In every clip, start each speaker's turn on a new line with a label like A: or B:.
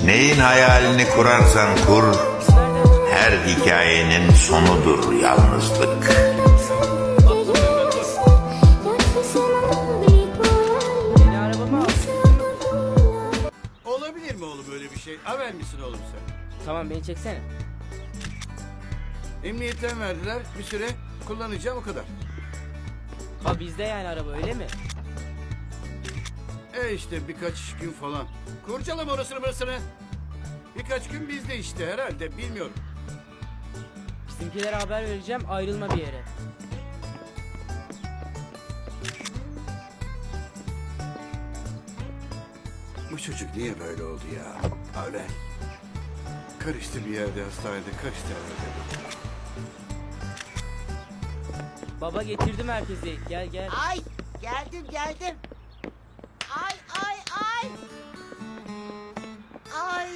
A: Neyin hayalini kurarsan kur, her hikayenin sonudur yalnızlık.
B: Yeni arabamı al.
C: Olabilir mi oğlum öyle bir şey? Haber misin oğlum sen?
B: Tamam beni çeksene.
C: Emniyetten verdiler, bir süre kullanacağım o kadar.
B: Ha bizde yani araba öyle mi?
C: İşte birkaç gün falan. Kurcalama orasını burasını. Birkaç gün bizde işte herhalde, bilmiyorum.
B: Bizimkilere haber vereceğim, ayrılma bir yere.
C: Bu çocuk niye böyle oldu ya? Öyle. Karıştı bir yerde, hastanede karıştı herhalde.
B: Baba getirdim herkesi. Gel gel.
D: Ay geldim. Ay. Ay.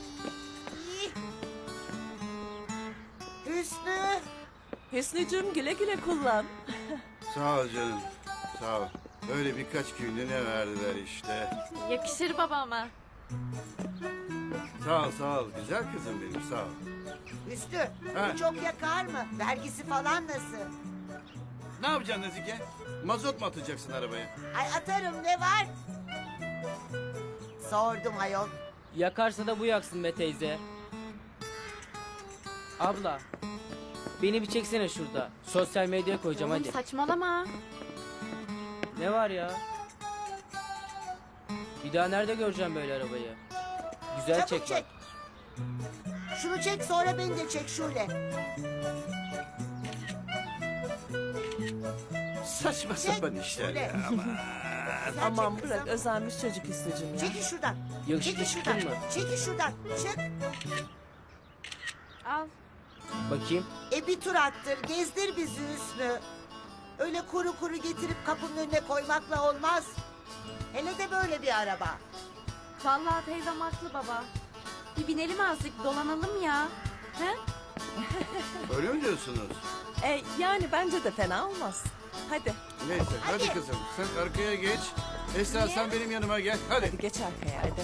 D: Hüsnü.
E: Hüsnücüğüm güle güle kullan.
C: Sağ ol canım, sağ ol. Öyle birkaç günlüğüne verdiler işte.
F: Yakışır babama.
C: Sağ ol. Güzel kızım benim, sağ ol.
D: Hüsnü
C: Ha.
D: bu çok yakar mı? Vergisi falan nasıl?
C: Ne yapacaksın Nazike? Mazot mu atacaksın arabaya?
D: Ay atarım ne var? Sordum ayol.
B: Yakarsa da bu yaksın be teyze. Abla. Beni bir çeksene şurada. Sosyal medyaya koyacağım
F: Oğlum
B: hadi.
F: saçmalama.
B: Ne var ya? Bir daha nerede göreceğim böyle arabayı? Güzel
D: Çabuk
B: çek bak.
D: çek. Şunu çek sonra beni de çek şöyle.
C: Saçma sapan işler
D: Şöyle.
C: ya aman.
D: Sen
E: Aman
D: çek
E: bırak
D: kızım.
E: özenmiş çocuk Hüsnücüğüm ya.
D: Çekil şuradan.
B: Yakışıklı
D: Çekil
B: çıktın
D: şuradan.
B: mı?
D: Çekil şuradan. Çık.
F: Al.
B: Bakayım.
D: Bir tur attır, gezdir bizi Hüsnü. Öyle kuru kuru getirip kapının önüne koymakla olmaz. Hele de böyle bir araba.
F: Vallahi teyzem haklı baba. Bir binelim azıcık dolanalım ya. He?
C: Öyle mi diyorsunuz?
E: Yani bence de fena olmaz. Hadi
C: Neyse hadi
D: Hadi.
C: kızım sen arkaya geç. Esra sen benim yanıma gel. Hadi.
E: hadi geç arkaya hadi.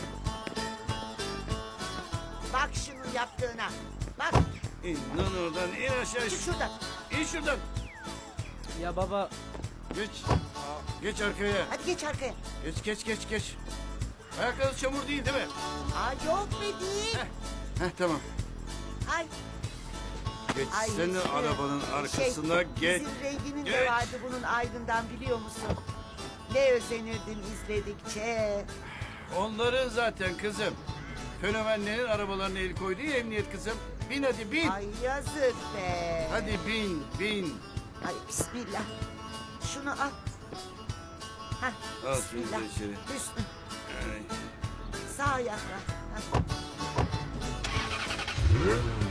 D: Bak şunun yaptığına. Bak
C: İn lan oradan in aşağı.
D: çık şuradan.
C: İn şuradan.
B: Ya baba
C: Geç. Geç arkaya.
D: Hadi geç arkaya.
C: Geç. Ayakları çamur değil mi?
D: Yok be değil.
C: Tamam.
D: Ay.
C: Geç
D: Ay
C: sen de
D: Hüsnü,
C: arabanın arkasına geç.
D: Bizim renginin
C: Geç.
D: de vardı bunun aydından biliyor musun? Ne özenirdin izledikçe.
C: Onların zaten kızım. Fenomenlerin arabalarına el koydu ya emniyet kızım. Bin hadi bin.
D: Ay yazık be.
C: Hadi bin.
D: Ay bismillah. Şunu al. Hah,
C: Al şunu
D: bismillah.
C: da içeri.
D: Hüsnü
C: Ay.
D: sağ ayakla. Hah.